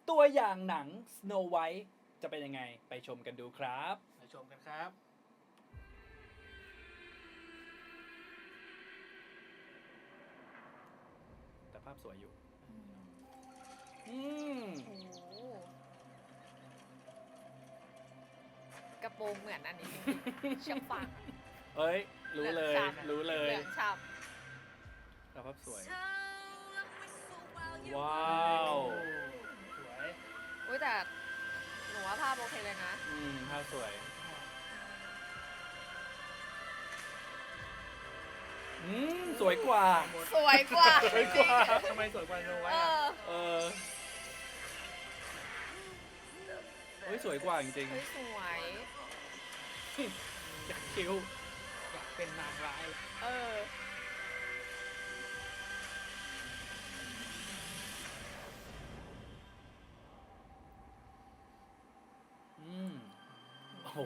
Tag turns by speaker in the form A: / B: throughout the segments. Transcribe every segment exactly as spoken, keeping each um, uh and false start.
A: ตัวอย่างหนัง Snow White จะเป็นยังไงไปชมกันดูครับ
B: ไปชมกันครับ
A: แต่ภาพสวยอยู่อืม
C: โอ้โหกระโปรงเหมือนอันนี้เชือกฟาง
A: เอ้ย รู้เลย
C: เหลืองฉ่ำ
A: รู้เลย
C: เหลืองฉ่
A: แต่ภาพสวย
C: ำ
A: ว้าว
B: สวย
C: อุ้ยแต่หนูว่าภาพโอเคเลยนะ
A: อืมภาพสวย อืม สวยกว่า
C: สวยกว่า
A: สวยกว่า
B: ทำไมสวยกว่าโนไว้
C: เอ
B: อะ
C: อ
A: เออเฮ้ย สวยกว่าจริง
C: เฮ้ยสวย
A: ๆอยากคิ้ว
B: อยากเป็นนางร้ายเลย
C: เออ
A: อืม โอ้โห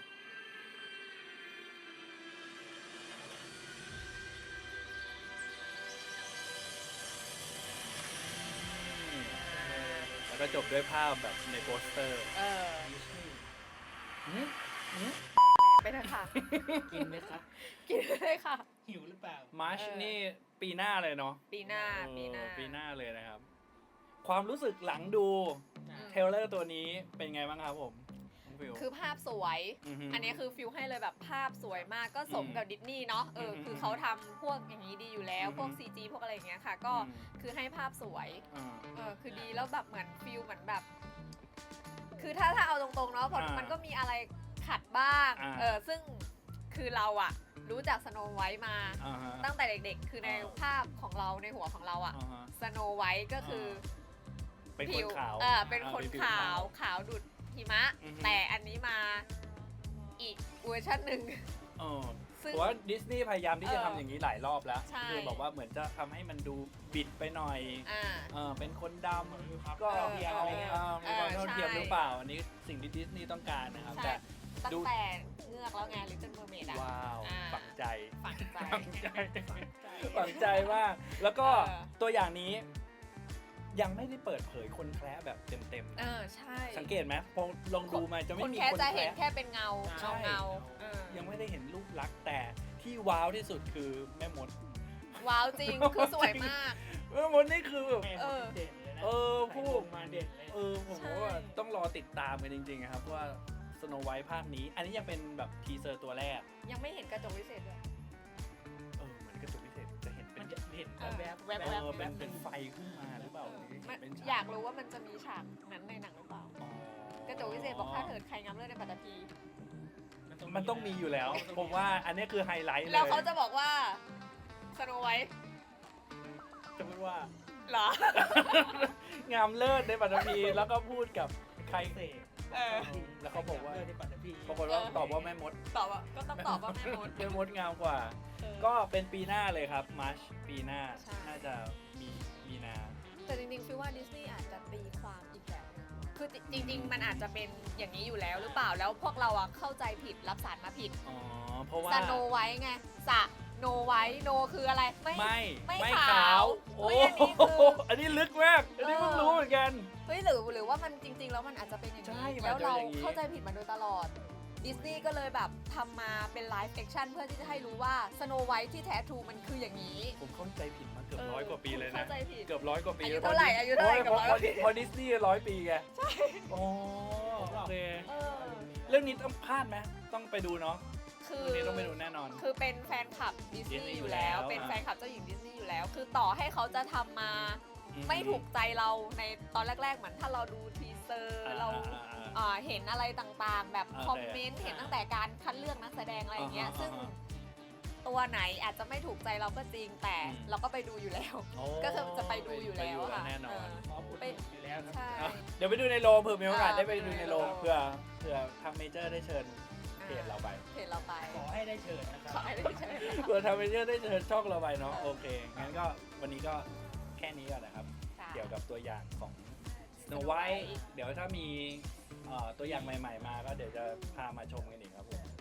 A: แล้วก็จบด้วยภาพแบบในโปสเตอร์
C: เออ
B: ดิสนีย์
A: อืมอืม
C: ไปเถอะค่ะ
B: กินไหมครับ
C: กินเลยค่ะ
B: หิวหรือเปล่า
A: มาร์ช
C: เออ
A: นี่ปีหน้าเลยเนาะ
C: ปีหน้า
A: เออ
C: ปีหน้า
A: ปีหน้าเลยนะครับ ความรู้สึกหลังดู
C: อืม
A: เทรลเลอร์ตัวนี้เป็นไงบ้างครับผมน้องฟิว
C: คือภาพสวย
A: อฮึ
C: อันนี้คือฟิลให้เลยแบบภาพสวยมากก็สม
A: อืม
C: กับดิสนีย์เนาะ เออ
A: อืม
C: คือเขาทำพวกอย่างนี้ดีอยู่แล้ว
A: อืม
C: พวก ซี จี พวกอะไรอย่างเงี้ยค่ะ ก็
A: อืม
C: คือให้ภาพสวย
A: อ่า
C: เออ คือดีแล้วแบบเหมือนฟิลเหมือนแบบ คือถ้าถ้าเอาตรงๆเนาะเพราะ
A: อ่ามั
C: มันก็มีอะไรขัดบ้าง
A: อ่า
C: เออ ซึ่งคือเราอะรู้จักสโนไวท์มา
A: อ่าฮะ
C: ตั้งแต่เด็กๆ คือใน
A: อ่า
C: ภาพของเราในหัวของเราอะ
A: อ่าฮะ
C: สโนไวท์ก็คือ
A: เป็นค
C: ผิ
A: น
C: ว
A: ขาว
C: เออเป็นคน
A: อ่มีผิ
C: ขาวขาวดุดหิมะ
A: อือฮึ
C: แต่อันนี้มาอีกเวอร์ชันหนึ่ง
A: เออ
C: ซึ่ง
A: เพราะว่าดิสนีย์พยายามที่จะ
C: เออ
A: ทำอย่างนี้หลายรอบแล้ว
C: ใช่
A: คือบอกว่าเหมือนจะทำให้มันดูบิดไปหน่อย
C: อ่า
A: เออเป็นคนด
B: มีความ
A: ำก็
B: เท่าเทียมอะไรเงี้ย
A: เออมีความ
C: เออ
A: เท่าเทียม
C: ใช่
A: หรือเปล่า อันนี้สิ่งที่ดิสนีย์ต้องการนะครับ
C: ใช่
A: แต่
C: ตั้
A: ดู
C: งแต่เงือกแล้วไง Little Mermaid อะ
A: ว้าว
C: อ่า
A: ฝังใจ
C: ฝังใจ
A: ฝังใจ ฝังใจมาก แล้วก็
C: เออ
A: ตัวอย่างนี้ ยังไม่ได้เปิดเผยคนแคร์แบบเต็ม
C: เออใช่
A: ๆ สังเกตไหมพอลองดูมาจะไม่
C: คน
A: มี
C: แค่
A: คน
C: จะ
A: แค
C: เห็น
A: ร์
C: แค่เป็นเงา
A: ใช่
C: เงาเงาเออ
A: ยังไม่ได้เห็นรูปลักษณ์แต่ที่ว้าวที่สุดคือแม่มด
C: ว้าวจริง คือสวยมาก
A: แม่มดนี่คือแบบ
B: แม่
C: เออ
B: เด่นเลยนะ
A: เออผู้
B: ใส่ลงมาเด่นเลย
A: เออผม
C: ใช่
A: ว่าต้องรอติดตามกันจริงๆนะครับว่าสโนไวท์ภาคนี้ อันนี้ยังเป็นแบบทีเซอร์ตัวแรก
C: ยังไม่เห็นกระจกวิเศษด้วย
A: เออเหมือนกระจกพิเศษจะเห็นเป็
B: มัน นจะเห็น
C: เออ
B: แวบๆ
C: แวบ
A: เอ
C: ๆ
A: อเป็นเป็นไฟขึ้นมาหรือเปล่าหรือ
C: มัน
A: เป็นฉ
C: อยากรู้ว่ามันจะมีฉากนั้นในหนังหรือเปล่า
A: อ๋อก
C: ระจกวิเศษบอกถ้าเถิดใครงามเลิศในปัตตภี
A: มันต้องมีอยู่แล้ว ผมว่าอันนี้คือไฮไลท์เลย
C: แล้วเขาจะบอกว่าสโนไวท์
A: จะพูดว่า
C: เหรอ
A: งามเลิศในปัตตภีแล้วก็พูดกับใคร
B: เสก
C: เออ
A: แล้วเขาบอกว่า
B: เลือดในปัตตภี
A: ปรากฏว่าตอบว่าแม่มด
C: ตอบว่าก็ต้องตอบว่าแม่มด
A: แม่มดงามกว่า
C: เออ
A: ก็เป็นปีหน้าเลยครับมาร์ชปีหน้า
C: ใช่
A: น่าจะมีมีนา
C: แต่จริงๆฟิลว่าดิสนีย์อาจจะตีความอีกแบบนึงคือจริง ๆ มันอาจจะเป็นอย่างนี้อยู่แล้วหรือเปล่า แล้วพวกเราอะเข้าใจผิดรับสารมาผิด
A: อ๋อ เพราะว่า
C: สโนไวท์ไงสะโนไวท์โนคืออะไร ไม่
A: ไม่
C: ไม่
A: ไม่
C: ขา
A: ขาว ว
C: โอ้
A: โอ้
C: ยอันนี้คือ
A: อันนี้ลึกมาก อันนี้เพิ่งรู้เหมือนกัน
C: เฮ้ยหรือหรือว่ามันจริง ๆ แล้วมันอาจจะเป็นอย่าง
A: ใช่
C: นี้
A: มัน
C: แล้ว
A: จะเป็น
C: เรา
A: อย่างนี้
C: เข้าใจผิดมาโดยตลอดดิสนีย์ก็เลยแบบทำมาเป็นไลฟ์แอคชั่นเพื่อที่จะให้รู้ว่าสโนไวท์ที่แท้ทรูมันคืออย่างนี้
A: ผมเข้าใจผิดมาเกือบร้อยกว่าปีเลยนะ
C: เข้าใจผิด
A: เกือบร้อยกว่าปี
C: อายุเท่าไหร่อายุเท่าไหร่
A: พะ
C: เกือบร้อยกว่าปี
A: พอดิสนีย์ร้อยปีไง ใช่โอ้โอเค
C: เออ
A: เรื่องนี้ต้องพลาดไหมต้องไปดูเนาะ
C: คือ
A: เรื่องนี้ต้องไปดูแน่นอน
C: คือเป็นแฟนคลับดิสนี
A: Disney
C: ย์
A: อ
C: อยู่ ยู่
A: แล้
C: แล้ว ว เป็น
A: อ่า
C: แฟนคลับเจ้าหญิงดิสนีย์อยู่แล้ว คือต่อให้เขาจะทำมา
A: อื
C: ไม่ถูกใจเราในตอนแรก ๆ เหมือนถ้าเราดูทีเซอร์
A: อ่า
C: เรา
A: อ่าอ่า
C: อ่าเห็นอะไรต่างๆ แบบ
A: โอเค
C: คอมเมนต์เห็นตั้งแต่การคัดเลือกนักแสดงอะไรอย่างเงี้ย
A: อ่าฮะ
C: ซึ่ง
A: อ่าฮะ
C: ตัวไหนอาจจะไม่ถูกใจเราก็จริงแต่
A: อืม
C: เราก็ไปดูอยู่แล้ว
A: โอ้
C: ก็คือจะไปดูอยู่แล้ว
A: ไปดู
C: ค่ะ
A: แน่นอน
C: เออ
B: พร้อมอุดหนุนอยู่แล้วนะ
C: ใช่
A: อ่ะเดี๋ยวไปดูในโรงเผื่อมีโอกาส
C: อ่า
A: ได้ไปดูในโรง
C: ไปดูในโรง
A: เผื่อเผื่อทางเมเจอร์ได้เชิญเพจเราไป
C: เพจเราไป
B: ขอให้ได้เชิญนะค
C: ข
B: รั
C: อบ ให้ได้เชิญ
A: เผื่อทางเมเจอร์ได้เชิญช่องเราไปเนาะโอเค งั้นก็วันนี้ก็แค่นี้ก่อนนะครับ
C: ค่ะ
A: เกี่ยวกับตัวอย่างของ Snow
C: Snow
A: White
C: White
A: เดี๋ยวถ้ามีเอ่อตัวอย่างใหม่ๆมาก็เดี๋ยวจะพามาชมกันอีกครับผม